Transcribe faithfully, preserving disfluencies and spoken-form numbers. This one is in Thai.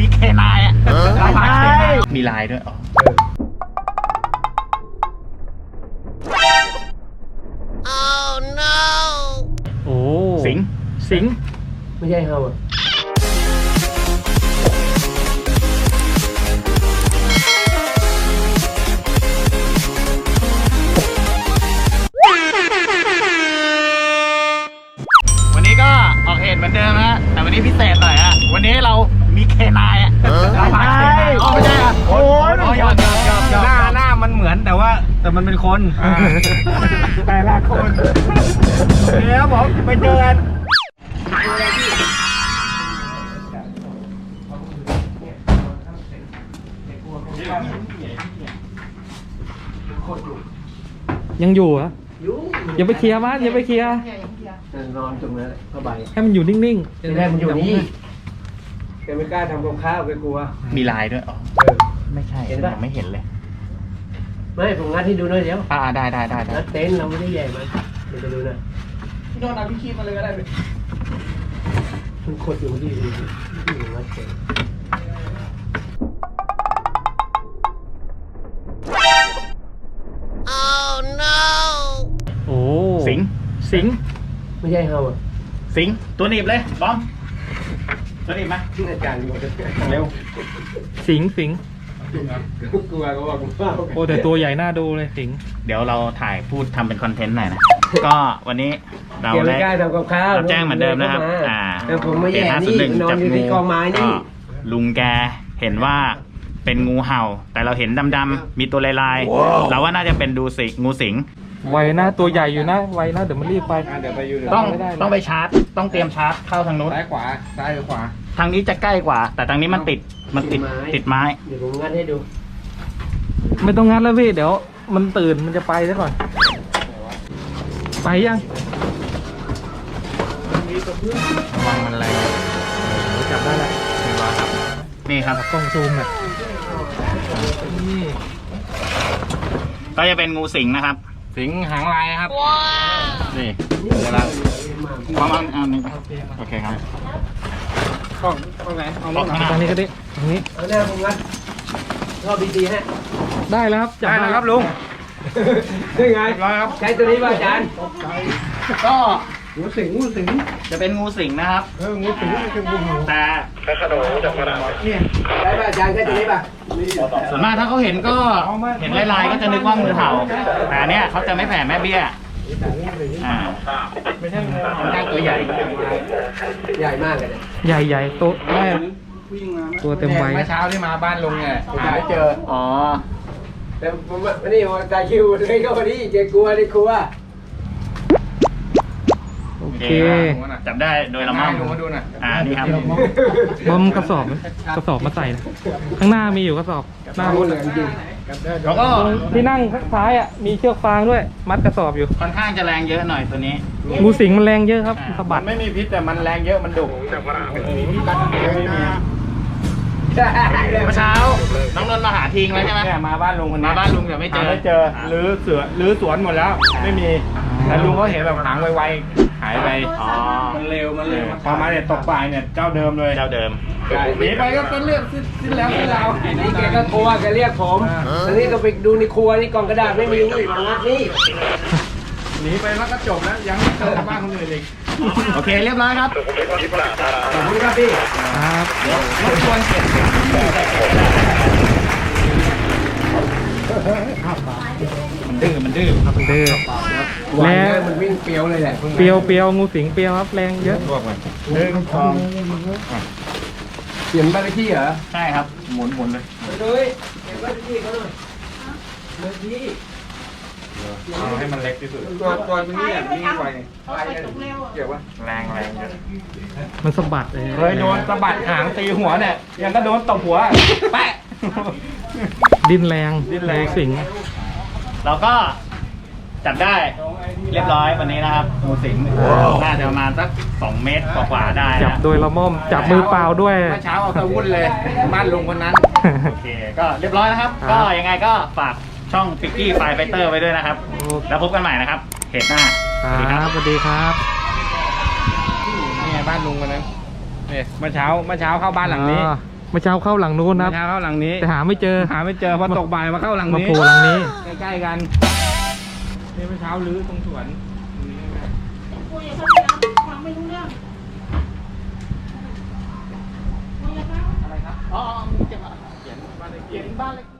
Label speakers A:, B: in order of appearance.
A: เคนายอ่ะมีลายด้วยอ๋อ
B: โอ้
A: สิง
B: สิง
C: ไม่ใช่เฮาอ่ะ
A: วันนี้ก็ออกเหตุเหมือนเดิมนะแต่วันนี้พิเศษหน่อยฮะวันนี้เรามีเคนายอ่ะเราพาเคนายอ๋อไม่ใช่อ่ะโอ้ยยอดยอดยอดยอด
D: หน้าหน้ามันเหมือนแต่ว่าแต่มันเป็นคนแต่ละคนเดี๋ยวผมไปเจอกัน
B: ยังอยู่เหรออย่าไปเคลียร์มันอย่าไปเคลียร์
C: นอนตรงนั้นผ้าใบ
B: ให้มันอยู่นิ่งๆ
C: ทีแรกมันอยู่นี่แกไม่กล้าทำกับข้าวแกกลัว
A: มีลายด้วยอ๋อ
C: เออ
A: ไม่ใช่
C: เห็นปะ
A: ยังไม่เห็นเลย
C: ไม่ผมงัดให้ดูหน่อยเดี๋ยว
A: อ่าได้ได้ได้ได้
C: งัดเต็นท์เราไม่ได้ใหญ่มันเดี๋ยวไปดูหน่อย
D: พี่โดนเอาพี่คีบมาเลยก็ได้
C: มันขดอยู่ที่ดูที่งัดเต็นท์
B: โอ้
A: สิง
B: สิง
C: ไม่ใช่เฮาอ่ะ
A: สิงตัวหนีบเลยบอมตัวหนีบไหม
C: ที่อาจารย์อยู่
A: เร็ว
B: สิงสิง
C: กลัวก็ว่ากูเปล่า
B: โอ้แต่ตัวใหญ่น่าดูเลยสิง
A: เดี๋ยวเราถ่ายพูดทำเป็นคอนเทนต์หน่อยนะ ก็วันนี้เรา
C: แกไม่
A: ได้
C: กล้าทำกับข้าว
A: เราแจ้งเหมือนเดิมนะครับอ่า
C: แต่ผมไม่แย่
A: ศู
C: นี่
A: ย์
C: นอนอยู่ที่กองไม้นี่
A: ก็ลุงแกเห็นว่าเป็นงูเห่า แต่เราเห็นดำๆมีตัวลายๆเราว่าน่าจะเป็นดูสิงูสิง
B: ไวนะตัวใหญ่อยู่นะไวนะเดี๋ยวมันรีบไป
D: เดี๋ยวไปอยู่
A: ต้อง
B: ไม่ได้เลย
A: ต้องไปชาร์จ ต้องเตรียมชาร์จเข้าทางนู้น
D: ซ้ายขวาซ้ายหรือขวา
A: ทางนี้จะใกล้กว่า แต่ทางนี้มันติดมันติดติดไม้
C: เดี๋ยวผมงัดให้ดู
B: ไม่ต้องงัดแล้วพี่เดี๋ยวมันตื่นมันจะไปซะก่อน ไปยัง
A: ระวังมันอะไร
B: จับได้แล้ว
A: นี่ครับ
B: กล้องซูมอ่ะนี่
A: ก็จะเป็นงูสิงนะครับ
D: สิงหางลายครับ
A: นี่เดี๋ยวเราวางๆเอาหนึ่งโอเคครับ
D: กล้องกล้องไหนเอา
A: กล้องข้างหน้า
B: ตรงนี้ก็ได้ตรงนี้
C: เอาหน้าผมงัดรอบดีๆฮะ
B: ได้แล้วครับจับ
D: ได้แล้วครับลุง
C: ได้ไง
D: เรียบร้อยครับ
C: ใช้ตัวนี้ป่ะอาจารย์
A: ก็
C: งูสิงงูสิง
A: จะเป็นงูสิงนะครับ
C: เอองูสิงไม่ใช่งูเห่า
A: แต่
C: เนี่ยได้ป่ะอาจารย์ใช้ตัวนี้ป่ะ
A: ส่วนมากถ้าเขาเห็นก็เห็นลายๆก็จะนึกว่างูเห่า แต่อันเนี้ยเขาจะไม่แผ่แม่เบี้ยอ่า
B: ไม่ใช่
A: ค่อนข้างตัวใหญ่
C: ใหญ่มากเลยเนี่ย
B: ใหญ่ใหญ่ๆตัวแม่ตัวเต็มวัย
D: เมื่อเช้าที่มาบ้านลุงเนี่ยผมไม่เจอ
A: อ๋อ
C: แต่ผมว่านี่ผมตาคิวเลยก็พอดีเจ๊กลัวดิกลัว
B: โอ
A: โอ
B: เค
A: เคจับได้โดยละมั่ง
D: ลุงมาดูหน่อย
A: อ่านี่ครับ
B: บอมกระสอบไหมกระสอบมาใส่นะข้างหน้ามีอยู่กระสอบหน้า
C: งูเหลือจริง
A: แล้วก็
B: ที่นั่งข้างซ้ายอ่ะมีเชือกฟางด้วย มัดกระสอบอยู่
A: ค่อนข้างจะแรงเยอะหน่อยตัวนี้
B: งูสิงมันแรงเยอะครับสะบัด
D: ไม่มีพิษแต่มันแรงเยอะมันดุ
C: ใช่
A: เมื่อเช้าน้องนนท์มาหาทิ้งแล้วใช่ไหม
D: เนี่ยมาบ้านลุงคนนี้
A: มาบ้านลุงแต่ไม่เจอ
D: ไม่เจอหรือเสือหรือสวนหมดแล้ว ไม่มีแต่ลุงเขาเห็นแบบหางไวๆหายไป
A: อ๋อ
D: มันเร็วมันเร็วพอมาเนี่ยตกปลายเนี่ยเจ้าเดิมเลย
A: เจ้าเดิม
D: หนีไปก็เป็นเรื่องสิ้นแล้วสิ้นราว
C: นี่แกก็กลัวแกเรียกผมตอนนี้ก็ไปดูในครัวนี่กล่องกระดาษไม่มีนี่มางัดนี่
D: หนีไปแล้วก็จบแล้วยังไม่เจอบ้านคนอื่นอีก
A: โอเคเรียบร้อยครับ
C: ขอบคุณครับพี่
B: ครับ
A: รบกวนเก็บ มันดื้อมันดื้อ
B: ครับเด้อ
C: หวาน
B: แล้
C: เล
B: วย
C: มันวิ่งเปรี้ยวเลยแหละ
B: เปียวเปียวงูสิงเปียวครับแรงเยอะ
D: พวกมันหนึ่งสอง
C: เปลี่ยนบ้านเลขที่เหรอ
A: ใช่ครับ หมุนหมุนเลย
C: เลยเปลี่ยนบ้านเลขที่เขาหน่อยเลขที่
D: เอาให้มันเล็กที่สุดตัวตัวนี้เนี่ยวิ่งไวเกี่ยวว่า
A: แรงแรงเยอะ
B: มันสะบัดเลย
D: เคยโดนสะบัดหางตีหัวเนี่ยยังก็โดนตบหัวแปะ
B: ดิ้นแรง
D: ดิ้นแรง
B: งูสิง
A: เราก็จับได้เรียบร้อยวันนี้นะครับงูสิงน่าจะประมาณสักสองเมตรกว่าๆได้
B: จับ
A: นะ
B: โดยละม่อมจับมือเปล่าด้วย
D: เมื่อเช้าเอาตะวุ่นเลยบ้านลุงคนนั้น
A: โอเค ก็เรียบร้อยนะครับ
B: ครับ
A: ก็ยังไงก็ฝากช่องฟิกกี้ไฟไฟเตอร์ไว้ด้วยนะครับ แล้วพบกันใหม่นะครับเหตุหน้า
B: ครับสวัสดีครับ
D: นี่ไงบ้านลุงคนนั้นเนี่ยเมื่อเช้าเมื่อเช้าเข้าบ้านหลังนี้
B: อ่าเมื่อเช้าเข้าหลังนู้นนะครับ
D: เช้าเข้าหลังนี้
B: แต่หาไม่เจอ
D: หาไม่เจอพอตกบ่ายมาเข้าหลัง
B: มา
D: นี้
B: โผล่หลังนี้
D: ใกล้ๆกันนี่เมื่อเช้าลื้อตรงสวนตรงนี้ใกล้
E: คุยกับเขาเลยนะฟังไม่รู้เรื่องคุยกับเขา
A: อะไรครับ อ๋อมึงจะมาเขียนบ้านเลขที่